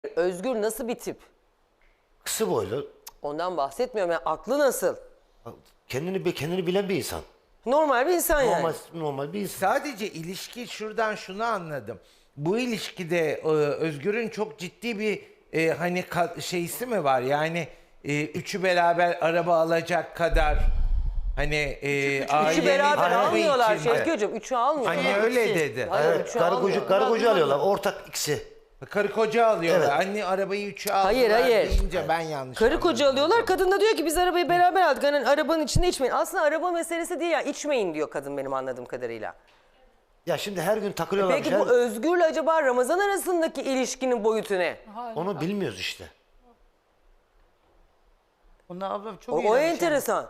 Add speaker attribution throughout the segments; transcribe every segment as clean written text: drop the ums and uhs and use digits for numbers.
Speaker 1: Özgür nasıl bir tip?
Speaker 2: Kısa boylu.
Speaker 1: Ondan bahsetmiyorum. Yani aklı nasıl?
Speaker 2: Kendini bilen bir insan.
Speaker 1: Normal bir insan yani.
Speaker 2: Normal bir insan.
Speaker 3: Sadece ilişki şuradan şunu anladım. Bu ilişkide Özgür'ün çok ciddi bir hani şeysi mi var? Yani üçü beraber araba alacak kadar hani
Speaker 1: Üçü
Speaker 3: ailenin
Speaker 1: beraber
Speaker 3: tarafı
Speaker 1: almıyorlar
Speaker 3: içinde.
Speaker 1: Şevki'cim. Üçü almıyorlar.
Speaker 3: Hani öyle dedi.
Speaker 1: Hayır,
Speaker 2: Evet,
Speaker 1: üçü
Speaker 2: karı
Speaker 1: almıyorlar.
Speaker 2: koca alıyorlar. Ortak ikisi.
Speaker 3: Karı koca alıyorlar.
Speaker 2: Evet.
Speaker 3: Anne arabayı üçü aldılar
Speaker 1: Hayır.
Speaker 3: deyince ben yanlış
Speaker 1: Karı
Speaker 3: anladım.
Speaker 1: koca alıyorlar. Kadın da diyor ki biz arabayı beraber aldık. Hani arabanın içinde içmeyin. Aslında araba meselesi değil ya. İçmeyin diyor kadın benim anladığım kadarıyla.
Speaker 2: Ya şimdi her gün takılıyorlar.
Speaker 1: Peki bu Özgür'le acaba Ramazan arasındaki ilişkinin boyutu ne?
Speaker 2: Onu bilmiyoruz işte.
Speaker 4: Onlar ablam çok
Speaker 1: O
Speaker 4: iğrenç
Speaker 1: enteresan.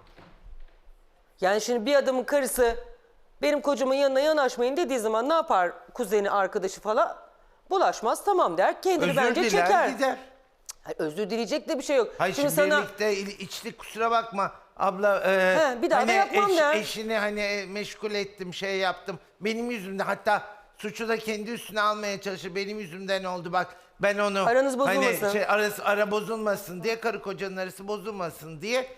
Speaker 1: Yani şimdi bir adamın karısı benim kocamın yanına yanaşmayın dediği zaman ne yapar kuzeni, arkadaşı falan? Bulaşmaz tamam der. Kendini
Speaker 3: Özür
Speaker 1: bence
Speaker 3: diler
Speaker 1: çeker.
Speaker 3: gider.
Speaker 1: Hayır, özür dileyecek de bir şey yok.
Speaker 3: Hayır şimdi birlikte içtik kusura bakma abla.
Speaker 1: Bir daha da yapmam der.
Speaker 3: Eşini hani meşgul ettim şey yaptım. Benim yüzümden hatta suçu da kendi üstüne almaya çalışır. Benim yüzümden oldu bak ben onu.
Speaker 1: Aranız bozulmasın.
Speaker 3: Hani ara bozulmasın diye karı kocanın arası bozulmasın diye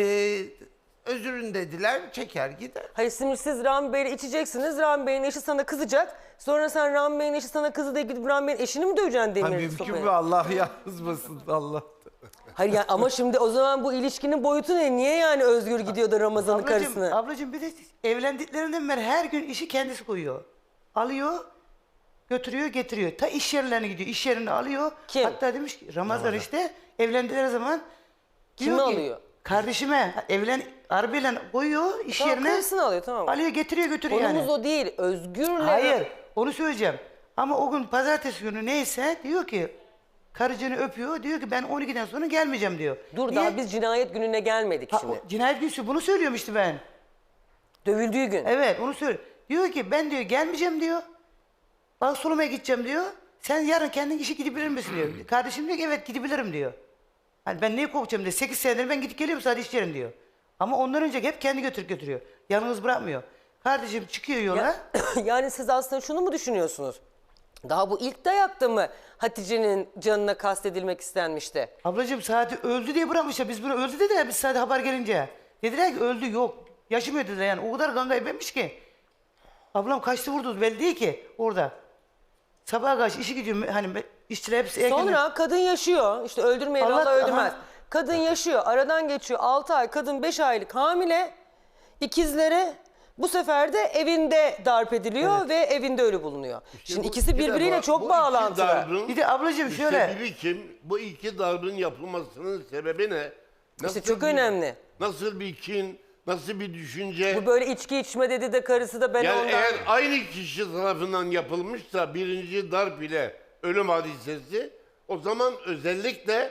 Speaker 3: özürün dediler çeker gider.
Speaker 1: Hayır şimdi siz Rami Bey'le içeceksiniz. Rami Bey'in eşi sana kızacak. Sonra sen Rami Bey'in eşi sana kızı diye gidip Rami Bey'in eşini mi döveceksin
Speaker 3: Ha,
Speaker 1: demirli
Speaker 3: mümkün
Speaker 1: sopaya?
Speaker 3: mü Allah yazmasın Allah.
Speaker 1: Hayır yani ama şimdi o zaman bu ilişkinin boyutu ne? Niye yani Özgür gidiyor da Ramazan'ın karısını?
Speaker 4: Ablacığım bir de evlendiklerinden beri her gün işi kendisi koyuyor. Alıyor, götürüyor, getiriyor. Ta iş yerlerine gidiyor. İş yerini alıyor.
Speaker 1: Kim?
Speaker 4: Hatta demiş ki Ramazan işte evlendikleri zaman
Speaker 1: Kimi
Speaker 4: diyor ki,
Speaker 1: alıyor?
Speaker 4: Kardeşime arabayla koyuyor iş
Speaker 1: Tamam,
Speaker 4: yerine.
Speaker 1: karısını alıyor tamam.
Speaker 4: Alıyor getiriyor götürüyor
Speaker 1: Konumuz
Speaker 4: yani.
Speaker 1: o değil. Özgür'le...
Speaker 4: Hayır onu söyleyeceğim. Ama o gün pazartesi günü neyse diyor ki karıcını öpüyor. Diyor ki ben 12'den sonra gelmeyeceğim diyor.
Speaker 1: Dur
Speaker 4: Niye?
Speaker 1: daha biz cinayet gününe gelmedik
Speaker 4: Ha,
Speaker 1: şimdi.
Speaker 4: cinayet günü bunu söylüyorum işte ben.
Speaker 1: Dövüldüğü gün.
Speaker 4: Evet onu söyle. Diyor ki ben diyor gelmeyeceğim diyor. Bak soluma gideceğim diyor. Sen yarın kendin işe gidebilir misin diyor. Kardeşim diyor ki evet gidebilirim diyor. Hani ben neyi korkacağım diyor. 8 senedir ben gidip geliyorum sadece iş yerim diyor. Ama ondan önce hep kendi götürüyor. Yalnız bırakmıyor. Kardeşim çıkıyor yola.
Speaker 1: Yani siz aslında şunu mu düşünüyorsunuz? Daha bu ilk dayakta mı Hatice'nin canına kastedilmek istenmişti?
Speaker 4: Ablacığım saati öldü diye bırakmışlar. Biz bunu öldü dediler biz saate haber gelince. Dediler ki öldü yok. Yaşamıyor dediler yani. O kadar kan kaybetmiş ki. Ablam kaçtı vurdu belli değil ki orada. Sabaha karşı işe gidiyor hani işçiler hepsi erken.
Speaker 1: Sonra kadın yaşıyor. İşte öldürmeyen Allah öldürmez.
Speaker 4: Aha.
Speaker 1: Kadın yaşıyor. Aradan geçiyor 6 ay. Kadın 5 aylık hamile. İkizleri bu sefer de evinde darp ediliyor ve evinde ölü bulunuyor. Şimdi ikisi birbiriyle çok bağlantılı.
Speaker 4: Bir de ablacığım şöyle.
Speaker 5: Sebebi kim? Bu iki darbın yapılmasının sebebi ne?
Speaker 1: İşte çok önemli.
Speaker 5: Nasıl bir kin, nasıl bir düşünce?
Speaker 1: Bu böyle içki içme dedi de karısı da ben
Speaker 5: Yani
Speaker 1: ondan...
Speaker 5: eğer aynı kişi tarafından yapılmışsa birinci darp ile ölüm hadisesi, o zaman özellikle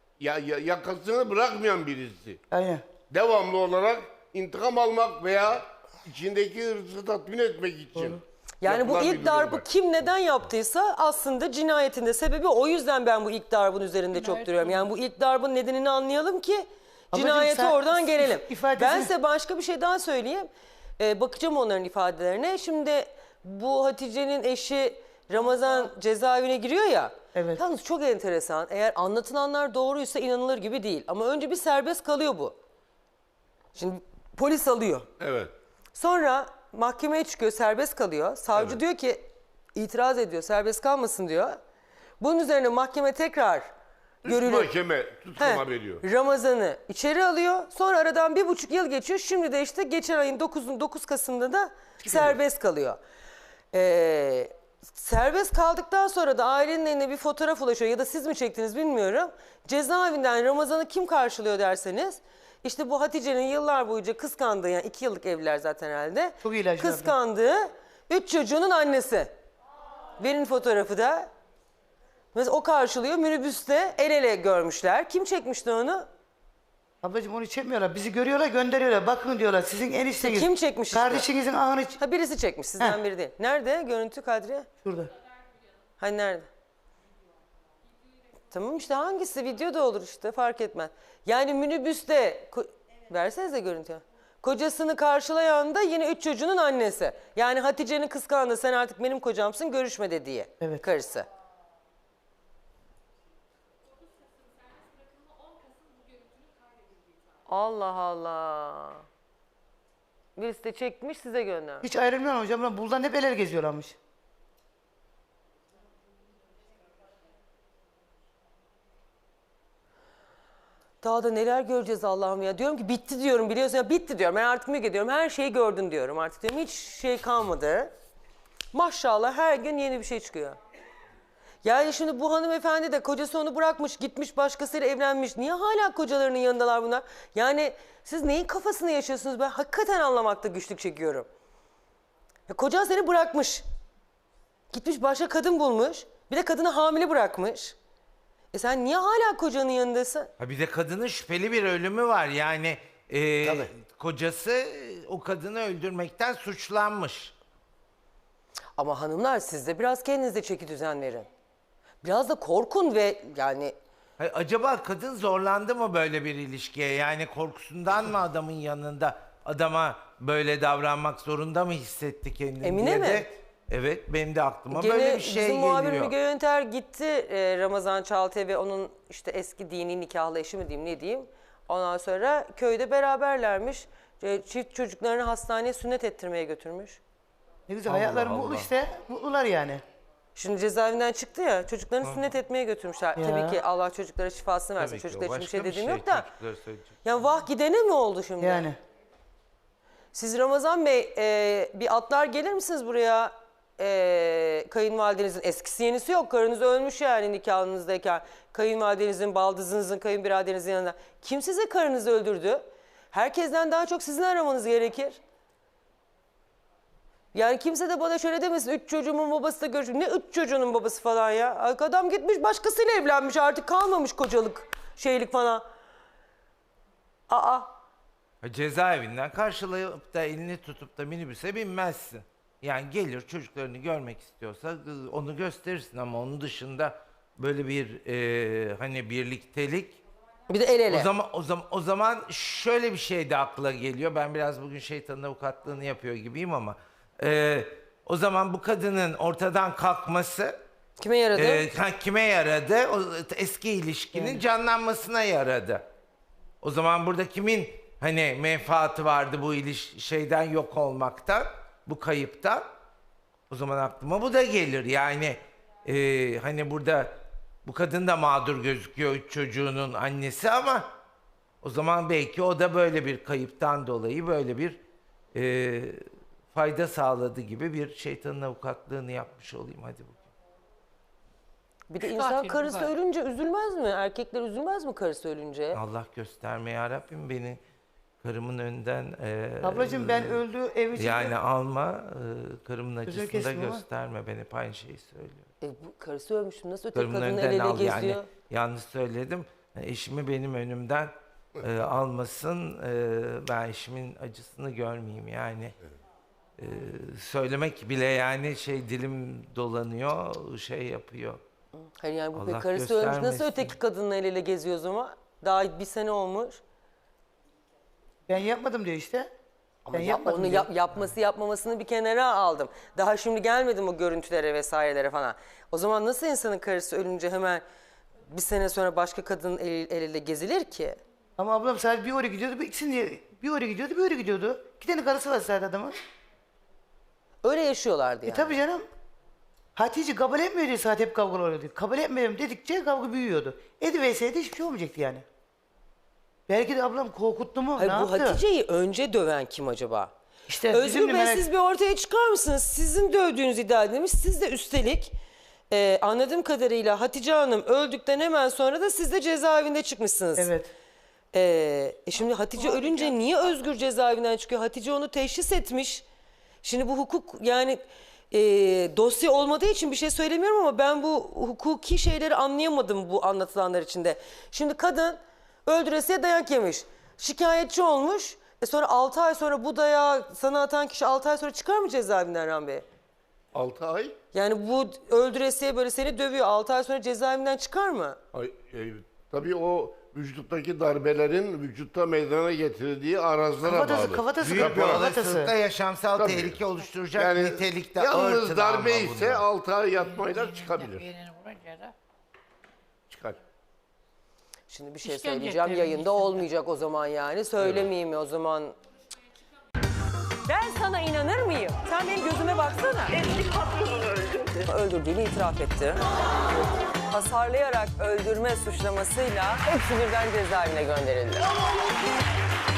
Speaker 5: yakasını bırakmayan birisi.
Speaker 4: Aynen.
Speaker 5: Devamlı olarak intikam almak veya içindeki hırsı tatmin etmek için.
Speaker 1: Yani bu
Speaker 5: yapılan bir
Speaker 1: ilk
Speaker 5: durum
Speaker 1: darbı
Speaker 5: var.
Speaker 1: kim neden yaptıysa aslında cinayetin de sebebi o yüzden ben bu ilk darbın üzerinde çok duruyorum. Yani bu ilk darbın nedenini anlayalım ki cinayete
Speaker 4: sen
Speaker 1: oradan gelelim.
Speaker 4: ifadesi-
Speaker 1: Ben size başka bir şey daha söyleyeyim. Bakacağım onların ifadelerine. Şimdi bu Hatice'nin eşi Ramazan cezaevine giriyor ya.
Speaker 4: Evet.
Speaker 1: Yalnız çok enteresan. Eğer anlatılanlar doğruysa inanılır gibi değil. Ama önce bir serbest kalıyor bu. Şimdi polis alıyor.
Speaker 5: Evet.
Speaker 1: Sonra mahkemeye çıkıyor, serbest kalıyor. Savcı diyor ki itiraz ediyor, serbest kalmasın diyor. Bunun üzerine mahkeme tekrar görülüp
Speaker 5: Mahkeme tutkuma veriyor.
Speaker 1: Ramazan'ı içeri alıyor. Sonra aradan 1,5 yıl geçiyor. Şimdi de işte geçen ayın 9 Kasım'da da serbest kalıyor. Serbest kaldıktan sonra da ailenin eline bir fotoğraf ulaşıyor ya da siz mi çektiniz bilmiyorum. Cezaevinden Ramazan'ı kim karşılıyor derseniz işte bu Hatice'nin yıllar boyunca kıskandığı yani 2 yıllık evliler zaten herhalde.
Speaker 4: Çok iyi ilaçlar.
Speaker 1: Kıskandığı 3 çocuğunun annesi. Verin fotoğrafı da. Mesela o karşılıyor minibüste el ele görmüşler. Kim çekmişti onu?
Speaker 4: Ablacığım onu çekmiyorlar. Bizi görüyorlar gönderiyorlar. Bakın diyorlar sizin enişteniz.
Speaker 1: Kim çekmiş işte?
Speaker 4: Kardeşinizin ahını
Speaker 1: Ha birisi çekmiş sizden
Speaker 4: Heh.
Speaker 1: biri değil. Nerede görüntü Kadriye?
Speaker 4: şurada.
Speaker 1: Hani nerede? Tamam işte hangisi video da olur işte fark etmez. Yani minibüste versenize görüntüyü. Kocasını karşılayan da yine 3 çocuğunun annesi. Yani Hatice'nin kıskandığı sen artık benim kocamsın görüşme dediği
Speaker 4: Evet.
Speaker 1: karısı. Allah Allah. Birisi de çekmiş size göndermiş.
Speaker 4: Hiç ayrılmıyor hocam. Lan buradan hep el ele geziyorlarmış.
Speaker 1: Daha da neler göreceğiz Allah'ım ya. Diyorum ki bitti diyorum, biliyorsun ya, bitti diyorum. Ben artık Müge diyorum, her şeyi gördün diyorum artık diyorum. Hiç şey kalmadı. Maşallah her gün yeni bir şey çıkıyor. Yani şimdi bu hanımefendi de kocası onu bırakmış, gitmiş başkasıyla evlenmiş. Niye hala kocalarının yanındalar bunlar? Yani siz neyin kafasını yaşıyorsunuz? Ben hakikaten anlamakta güçlük çekiyorum. Ya kocan seni bırakmış. Gitmiş başka kadın bulmuş. Bir de kadını hamile bırakmış. Sen niye hala kocanın yanındasın?
Speaker 3: Ha bir de kadının şüpheli bir ölümü var. Yani
Speaker 2: Tabii.
Speaker 3: kocası o kadını öldürmekten suçlanmış.
Speaker 1: Ama hanımlar siz de biraz kendinize çeki düzen verin. Biraz da korkun ve yani
Speaker 3: Ha, acaba kadın zorlandı mı böyle bir ilişkiye? Yani korkusundan mı adamın yanında adama böyle davranmak zorunda mı hissetti kendini
Speaker 1: Emine
Speaker 3: diye
Speaker 1: mi?
Speaker 3: de. Evet, benim de aklıma
Speaker 1: gene
Speaker 3: böyle bir şey
Speaker 1: bizim muhabir
Speaker 3: geliyor.
Speaker 1: Müge Yönter gitti Ramazan Çaltı'ya ve onun işte eski dini nikahlı eşi mi diyeyim ne diyeyim. Ondan sonra köyde beraberlermiş. Çift çocuklarını hastaneye sünnet ettirmeye götürmüş.
Speaker 4: Ne güzel hayatları mutlu işte. Mutlular yani.
Speaker 1: Şimdi cezaevinden çıktı ya, çocuklarını sünnet etmeye götürmüşler.
Speaker 4: Ya.
Speaker 1: Tabii ki Allah çocuklara şifasını versin.
Speaker 3: Tabii ki, o
Speaker 1: Çocuklar için bir
Speaker 3: başka
Speaker 1: şey
Speaker 3: bir
Speaker 1: dediğim
Speaker 3: şey,
Speaker 1: yok da.
Speaker 3: çocuklara söyleyecek.
Speaker 1: Yani vah gidene mi oldu şimdi?
Speaker 4: Yani.
Speaker 1: Siz Ramazan Bey bir atlar gelir misiniz buraya? Kayınvalidenizin eskisi yenisi yok. Karınız ölmüş yani nikahınızdayken. Kayınvalidenizin, baldızınızın, kayınbiraderinizin yanında. Kim size karınızı öldürdü? Herkesten daha çok sizin aramanız gerekir. Yani kimse de bana şöyle demesin. 3 çocuğumun babası da görüşmüş. Ne 3 çocuğunun babası falan ya? Adam gitmiş başkasıyla evlenmiş. Artık kalmamış kocalık, şeylik falan. Aa.
Speaker 3: Ha, cezaevinden karşılayıp da elini tutup da minibüse binmezsin. Yani gelir çocuklarını görmek istiyorsa onu gösterirsin ama onun dışında böyle bir hani birliktelik.
Speaker 1: Bir de el ele.
Speaker 3: O zaman şöyle bir şey de akla geliyor. Ben biraz bugün şeytanın avukatlığını yapıyor gibiyim ama o zaman bu kadının ortadan kalkması
Speaker 1: Kime yaradı?
Speaker 3: kime yaradı? O eski ilişkinin canlanmasına yaradı. O zaman burada kimin hani menfaati vardı bu şeyden yok olmaktan, bu kayıptan? O zaman aklıma bu da gelir. Yani hani burada bu kadın da mağdur gözüküyor, 3 çocuğunun annesi ama o zaman belki o da böyle bir kayıptan dolayı böyle bir fayda sağladı gibi bir şeytanın avukatlığını yapmış olayım hadi bugün.
Speaker 1: Bir de insan karısı ölünce üzülmez mi? Erkekler üzülmez mi karısı ölünce?
Speaker 3: Allah gösterme ya Rabbim beni karımın önünden
Speaker 4: Ablacığım ben öldü ev içinde.
Speaker 3: yani alma karımın acısını da
Speaker 4: kesme ama.
Speaker 3: gösterme, ben hep aynı şeyi söylüyorum.
Speaker 1: Bu karısı ölmüş. Nasıl öteki
Speaker 3: Karımın
Speaker 1: kadın el
Speaker 3: önden
Speaker 1: ele
Speaker 3: al
Speaker 1: geziyor?
Speaker 3: yani, yanlış söyledim. Eşimi benim önümden almasın, ben eşimin acısını görmeyeyim yani. Söylemek bile yani dilim dolanıyor, şey yapıyor.
Speaker 1: Hayır yani bu
Speaker 3: Allah
Speaker 1: karısı ölmüş. Nasıl
Speaker 3: göstermesin.
Speaker 1: öteki kadınla el ele geziyor o zaman? Daha bir sene olmuş.
Speaker 4: Ben yapmadım diyor işte.
Speaker 1: Ama
Speaker 4: Ben yapmadım diyor.
Speaker 1: yapması yapmamasını bir kenara aldım. Daha şimdi gelmedim o görüntülere vesairelere falan. O zaman nasıl insanın karısı ölünce hemen bir sene sonra başka kadının el ele gezilir ki?
Speaker 4: Ama ablam sadece bir oraya gidiyordu, bir oraya gidiyordu, bir oraya gidiyordu. 2 tane karısı var sadece adamın.
Speaker 1: Öyle yaşıyorlardı yani.
Speaker 4: Tabii canım. Hatice kabul etmiyor diye saat hep kavga oluyordu. Kabul etmiyorum dedikçe kavga büyüyordu. Ediverseydi hiçbir şey olmayacaktı yani. Belki de ablam korkuttu mu?
Speaker 1: Hayır,
Speaker 4: ne
Speaker 1: bu
Speaker 4: yaptı?
Speaker 1: Hatice'yi önce döven kim acaba?
Speaker 4: İşte
Speaker 1: Özgür
Speaker 4: bizim de
Speaker 1: Bey
Speaker 4: merak-
Speaker 1: siz bir ortaya çıkar mısınız? Sizin dövdüğünüz iddia edilmiş. Siz de üstelik anladığım kadarıyla Hatice Hanım öldükten hemen sonra da siz de cezaevinde çıkmışsınız.
Speaker 4: Evet.
Speaker 1: Şimdi Hatice ölünce niye Özgür cezaevinden çıkıyor? Hatice onu teşhis etmiş. Şimdi bu hukuk yani dosya olmadığı için bir şey söylemiyorum ama ben bu hukuki şeyleri anlayamadım bu anlatılanlar içinde. Şimdi kadın öldüresiye dayak yemiş. Şikayetçi olmuş. Sonra 6 ay sonra bu dayağı sana atan kişi 6 ay sonra çıkar mı cezaevinden Ram Bey?
Speaker 5: 6 ay.
Speaker 1: Yani bu öldüresiye böyle seni dövüyor. 6 ay sonra cezaevinden çıkar mı?
Speaker 5: Tabii o vücuttaki darbelerin vücutta meydana getirdiği arazlara bağlı.
Speaker 4: Kafatası
Speaker 3: Büyük bir
Speaker 4: kırpıyor,
Speaker 3: olasılıkla
Speaker 4: kafatası.
Speaker 3: yaşamsal
Speaker 5: Tabii.
Speaker 3: tehlike oluşturacak
Speaker 5: Yani
Speaker 3: nitelikte
Speaker 5: yalnız
Speaker 3: ağır
Speaker 5: darbe
Speaker 3: travma
Speaker 5: ise
Speaker 3: bunlar.
Speaker 5: 6 ay yatmayla çıkabilir. Çıkar.
Speaker 1: Şimdi bir şey
Speaker 6: İşkence
Speaker 1: söyleyeceğim,
Speaker 6: ettiğini
Speaker 1: yayında
Speaker 6: hisseder.
Speaker 1: olmayacak o zaman yani. Söylemeyeyim mi o zaman? Ben sana inanır mıyım? Sen benim gözüme baksana.
Speaker 7: Eski patronunu öldürdü.
Speaker 1: Öldürdüğünü itiraf etti. Hasarlayarak öldürme suçlamasıyla hepsi birden cezaevine gönderildi.